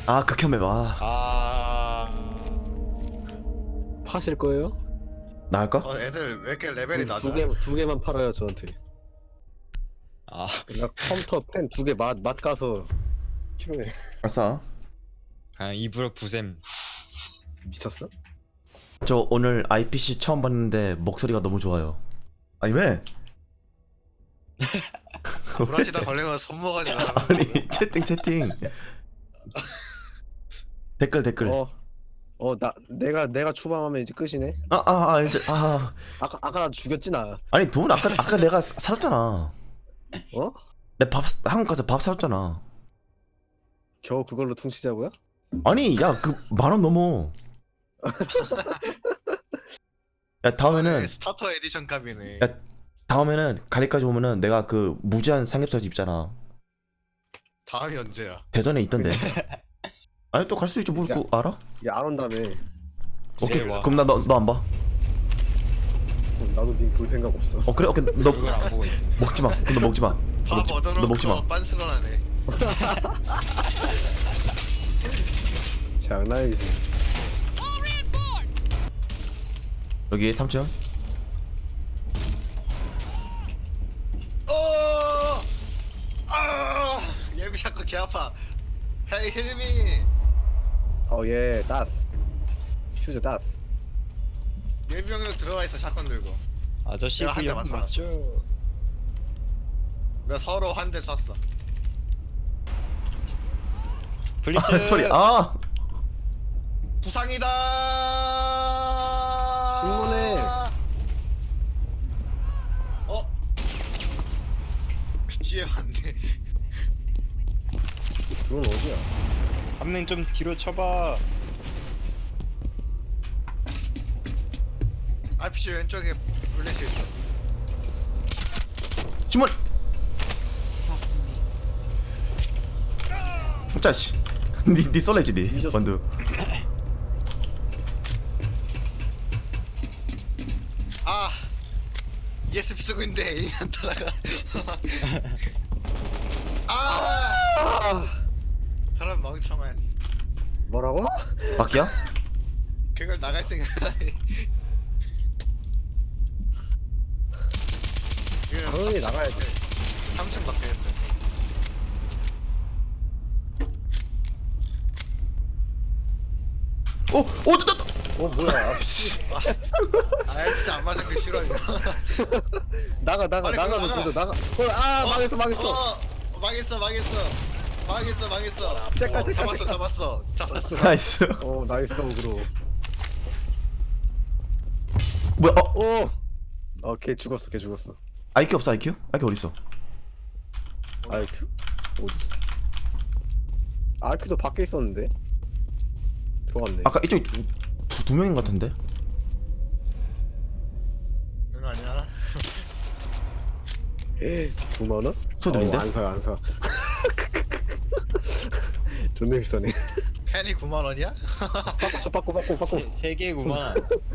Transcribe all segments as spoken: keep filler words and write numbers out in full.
아 극혐해 봐. 아 파실 거예요? 나 할까? 어 애들 왜 이렇게 레벨이 두, 낮아? 두 개, 두 개만 팔아요 저한테. 아, 나 컴퓨터 펜 두 개 맛 맛 가서 필요해. 아싸. 그냥 입으로 부셈. 미쳤어? 저 오늘 아이피씨 처음 봤는데 목소리가 너무 좋아요. 아니 왜? 브라시다 걸리면 손모가지 나가는 거. 아니 채팅 채팅. 댓글 댓글. 어, 어 나 내가 내가 추방하면 이제 끝이네. 아아 아, 아, 이제 아 아까 아까 나 죽였지 나. 아니 돈 아까 아까 내가 사- 사줬잖아. 어? 내 밥 한국 가서 밥 사줬잖아. 겨우 그걸로 퉁치자고요? 아니 야 그 만 원 넘어. 야 다음에는 네, 스타터 에디션 값이네. 야, 다음에는 가리까지 오면은 내가 그 무제한 삼겹살 집 있잖아. 다음이 언제야? 대전에 있던데. 아니 또 갈 수 있지 뭘 야. 그거 알아? 야 안 온다며. 오케이 와. 그럼 나 너 너 안 봐. 그럼 나도 님 볼 생각 없어. 어 그래 오케이 너 그걸 안 보고 있네. 먹지 마. 너 먹지 마. 너 밥 먹지, 너 먹지 마. 얻어놓고 빤스런하네. 장난이지. 여기 삼 층. 어! 아! 예비 샷건 개 아파. 헤이 힐미. 어예 다스. 슈즈 다스. 예비 형으로 들어와 있어 샷건 들고. 아저씨 내가 한대 그형 맞춰놨어. 맞죠? 내가 서로 한 대 쐈어. 블리츠. 아 소리 아 부상이다. 신문해. 어? 뒤에 왔네. 드론 어디야? 한 명 좀 뒤로 쳐봐. 아이피씨 왼쪽에 블레시 있어. 주문. 자 씨. 니니 썰레지 니 미쳤어. 원두. 아 이에스피 쓰고 있는데 에임이 안 따라가. 아 아 사람 멍청한. 뭐라고? 바뀌야? 그걸 나갈 생각. 당연히 나가야 돼. 삼 층 밖에 했어. 오, 오, 저, 저, 어 뭐야? 아 진짜 안 맞은 게 싫어 이거. 나가 나가 빨리 나가면 나가. 조져 나가. 어, 아 망했어 망했어. 어, 망했어 망했어 망했어 망했어. 째까, 어, 째까, 잡았어 째까. 잡았어 잡았어. 나이스. 어 나이스 어그로. 뭐야? 어, 오. 어걔 죽었어 걔 죽었어. 아이큐 없어 아이큐? 아이큐 어디 있어? 아이큐? 어디 있어? 아이큐도 밖에 있었는데. 들어갔네. 아까 이쪽에 두, 두, 두 명인 것 같은데? 그거 아니야? 에 구만 원? 소리 들린데? 어, 안 사, 안 사. 존나 비싸네. 펜이 구만 원이야? 저 바꿔, 바꿔, 바꿔. 세 개구만.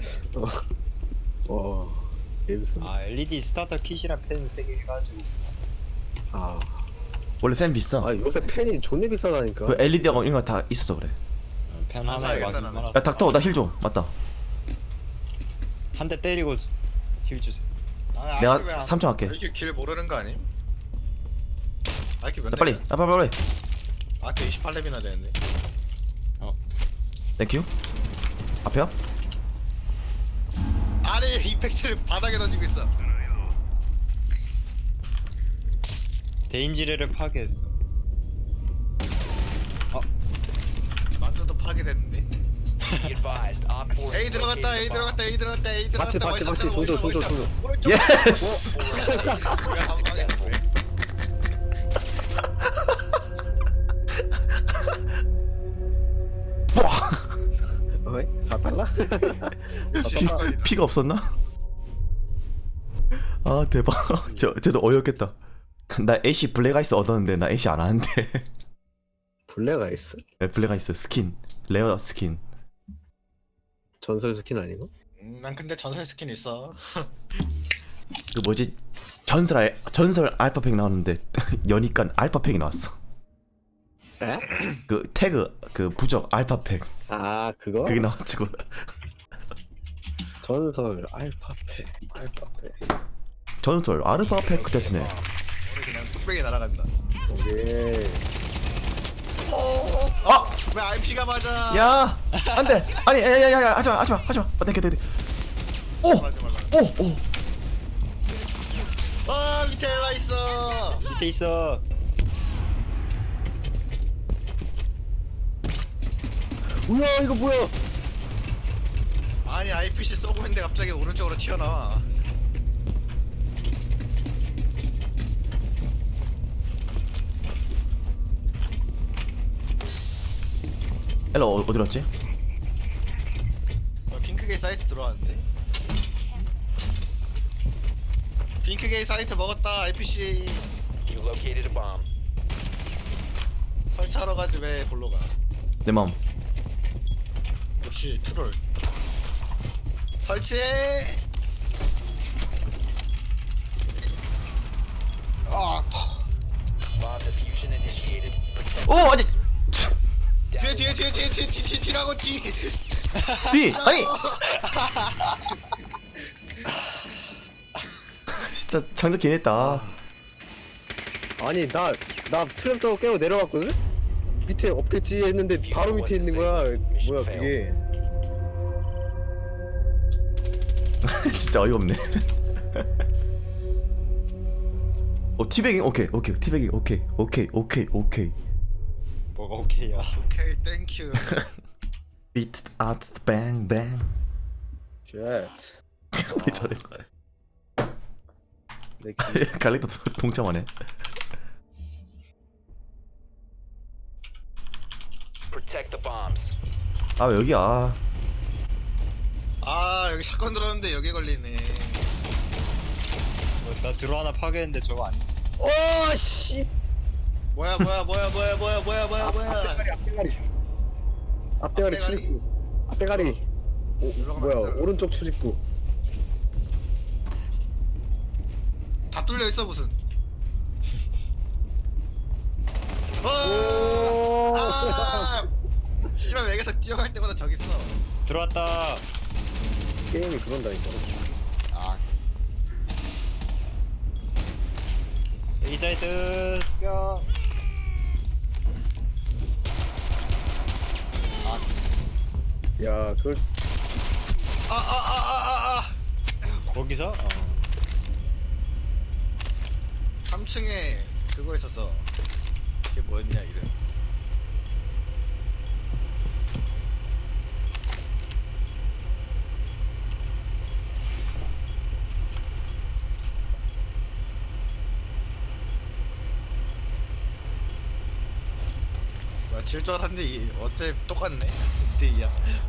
와, 재밌어. 아 엘이디 스타터 킷이랑 펜 세 개 해가지고. 아, 원래 팬 비싸. 아 요새 펜이 존나 비싸다니까. 그 엘이디하고 이런 거 다 있어서 그래. 펜 안 하나에 막 사야겠다, 이만 나는. 원. 야 닥터 나 힐 좀. 맞다. 한 대 때리고 힐 주세요. 아, 내가 아이큐 왜안- 삼 층 할게. 아이큐 길 모르는 거 아님? 아이큐 몇 야 빨리. 야 빨리 빨리. 아이큐 이십팔 렙이나 되는데. 땡큐. 앞에요? 아니 이펙트를 바닥에 던지고 있어. 데인지레를 파괴했어. 만두도 파괴됐는데. A 들어갔다 A 들어갔다 A 들어갔다 A 박치, 들어갔다. 박치, 어디서 박치, 어디서 조져, 어디서 조져, 어디서. 조져. 오른쪽. 예스. 왜한 방에 안 돼? 어이? 사 달러? 피, 피가 없었나? 아 대박. 저 쟤도 어이없겠다. 나 애쉬 블랙 아이스 얻었는데 나 애쉬 안 하는데. 블랙 아이스? 네, 블랙 아이스 스킨 레어 스킨. 전설 스킨 아니고? 음, 난 근데 전설 스킨 있어. 그 뭐지 전설 알, 전설 알파팩 나왔는데 여니까 알파팩이 나왔어. 에? 그 태그 그 부적 알파팩 아 그거? 그게 나와가지고 전설 알파페 알파페. 전설 아르바팩 데스네. 우리 그냥 뚝배기 날아간다. 오케이. 어? 왜 알피가 맞아? 야 안돼 아니 야야야야 하지마 하지마 하지마 어 땡겨 땡겨 맞아 말라. 오오오 어 밑에 엘라 있어. 밑에 있어. 우와 이거 뭐야? 아니 아이피씨 쏘고 있는데 갑자기 오른쪽으로 튀어나와. 엘라 어, 어디 갔지? 어, 핑크게이 사이트 들어왔는데. 핑크게이 사이트 먹었다 아이피씨. You located a bomb. 설치하러 가지 왜 골로 가? 내 마음. 역시 트롤. 설치해. 아 Bomb diffusion initiated. Protect. 오 아니 뒤에 뒤에 뒤에 뒤에 뒤에 뒤에 뒤라고 뒤. 뒤 아니 진짜 장작 개냈다. 아니 나 나 트램 타고 깨고 내려갔거든? 밑에 없겠지 했는데 바로 밑에 있는 거야. 뭐야 그게? 진짜 어이가 없네. 어 티베깅 오케이 오케이 티베깅 오케이 오케이 오케이 오케이. 뭐가 오케이야. 오케이 땡큐. 비트 아트 뱅뱅. 쉣. 왜 저래? 내 기... 갈릭도 동참하네. Protect the bombs. 아 왜 여기야? 아 여기 사건 들었는데 여기 걸리네. 뭐, 나 드론 하나 파괴했는데 저거 아니. 오 씨. 뭐야 뭐야 뭐야 뭐야 뭐야 뭐야 뭐야 뭐야. 앞대가리 앞대가리. 앞대가리 앞대가리. 출입구. 앞대가리. 오, 올라가면 뭐야 안 돼. 오른쪽 출입구. 다 뚫려 있어 무슨. 어. 오. 아. 씨발 맥에서 뛰어갈 때마다 저기 있어. 들어왔다. 게임이 그런다니까. 아 A 사이트 죽여. 야 그걸 아 아 아 아 아. 거기서? 어. 삼 층에 그거 있어서 그게 뭐였냐 이름. 뭐야 질 줄 알았는데 이 어째 똑같네. 이야.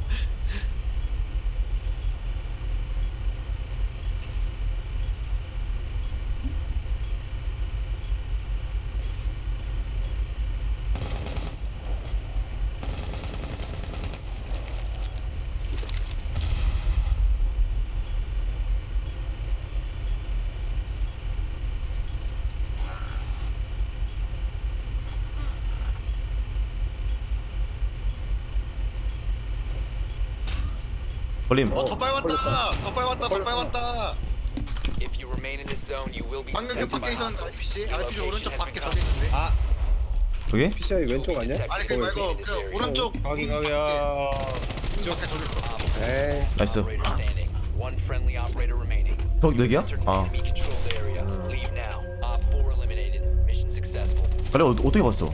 걸림. 어 덧발 왔다. 덧발 왔다. 덧발 왔다. If you remain in this zone, you will be. 방금 그 detected 밖에 by 있었는데 hostiles. 아이피씨 아이피씨 오른쪽 밖에 저기 있는데. 아, 여기? 피시아이 왼쪽 아니야? 아니 그 말고 그 오른쪽 거기 거기야. 쪽 밖에 저기 있어. 에이 나이스. Operator standing. One friendly operator remaining. 거기 여기야? Enter 아 enemy controlled area. Leave now. Op four eliminated. Mission successful. 그래 어, 어떻게 봤어?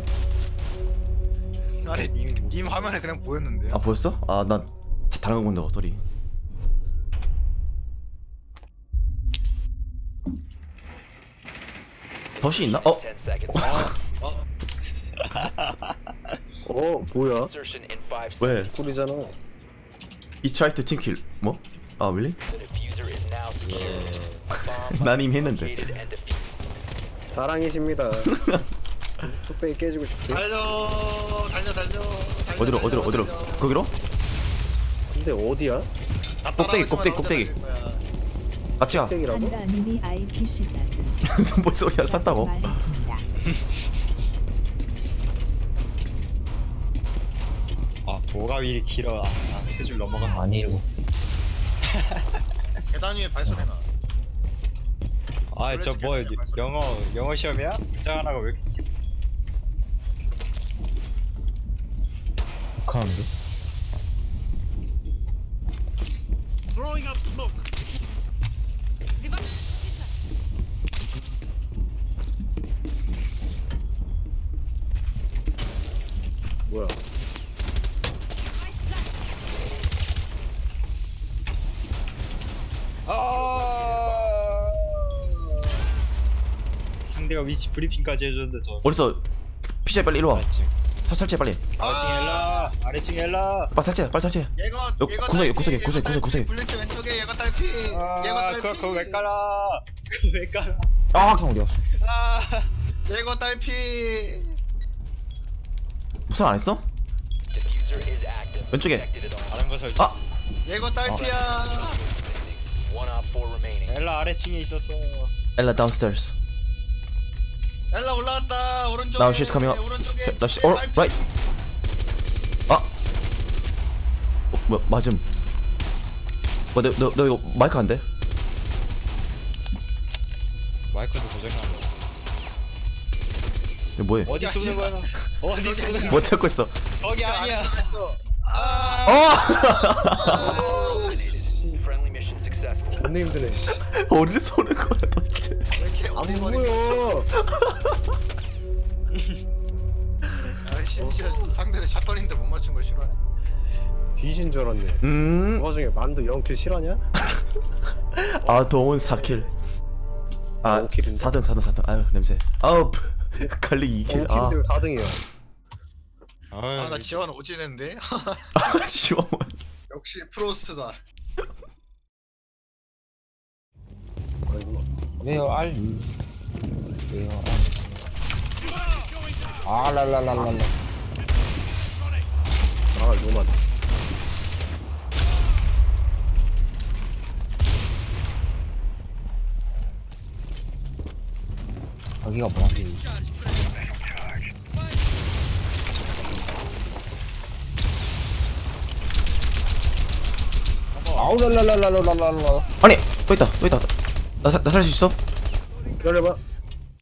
아니 님, 님 화면에 그냥 보였는데요. 아 보였어? 아 난 다른 거 본다고 소리. 덫이 있나? 어? ten seconds. 어 뭐야? Insertion in five seconds. 왜? 꿀이잖아. 이 트라이트 팀킬 뭐? 아 윌리? The diffuser is now secured. A bomb 난 이미 했는데. located and defused. 사랑이십니다. 뚝배기 깨지고 싶지. 달려 달려 달려. 달려, 어디로 달려, 어디로 어디로? 달려. 거기로? 근데 어디야? 나 꼭대기, 따라오지만 꼭대기, 언제 꼭대기. 달릴 거야. 같이 가. 뚝배기라고? 판다님이 아이피씨 샀습니다. 뭔 소리야 샀다고? 말했습니다. 뭐가 이리 길어. 아세 줄 넘어가. 아니 이거 계단 위에 발소리 나. 아저 뭐 영어 영어 시험이야? 문장 하나가 왜 이렇게 길어? 북한인데? 뭐야? 아 상대가 위치 브리핑까지 해줬는데 저 어딨어? 피자 빨리 이리 와. 아래층 사 설치 빨리. 아래층 엘라 아래층 엘라 빨리 설치 빨리 설치. 얘가 여, 얘가 구석에, 딸피, 구석에, 얘가 구석에, 딸피, 구석에. 블리츠 왼쪽에 얘가 딸피. 얘가 아 딸피. 그거 그거 왜 깔아 그거 왜 깔아 아 북한 어디 갔어? 아 얘가 딸피. 무슨 안 했어? Diffuser is active. 왼쪽에. Detected at all. 다른 거 설치 아. 얘가 딸피야. One op four remaining. 엘라 아래층에 있었어 엘라 downstairs. 엘라 올라왔다. 오른쪽에. Now she's coming up. 오른쪽에. Now she, oh, 딸피. right. 아. 어, 뭐야 맞음. 뭐, 너, 너, 너 이거 마이크 안 돼? 마이크도 고장난 거야 이거 뭐해? 어디 야, 쏘는 거야 어디 쏘는 거야 뭐 찾고 있어? 거기 아니야 아. 어! Friendly mission successful. 존나 힘드네. 씨. 어디를 쏘는 거야 도대체? 왜 이렇게 안 어리버리. 보여. 아, 심지어 상대를 샷건인데 못 맞춘 거 싫어해. 뒤진 줄 알았네. 음. 그 와중에 만두 영 킬 실화냐? 아 동원 사 킬. 아 오 킬인데? 사 등 사 등 사 등. 아유 냄새. 아우 갈리 이 킬. 아. 킬 사 등이야. 아, 나 지원 오지는데. 아 지워. 역시 프로스트다. 아이고. 왜요 알리 왜요 아 랄랄랄랄라 아 이거만. 여기가 뭐지? 아우 랄랄랄랄랄랄라 아니 또 있다 또 있다. 나나 살 수 있어? 기다려봐.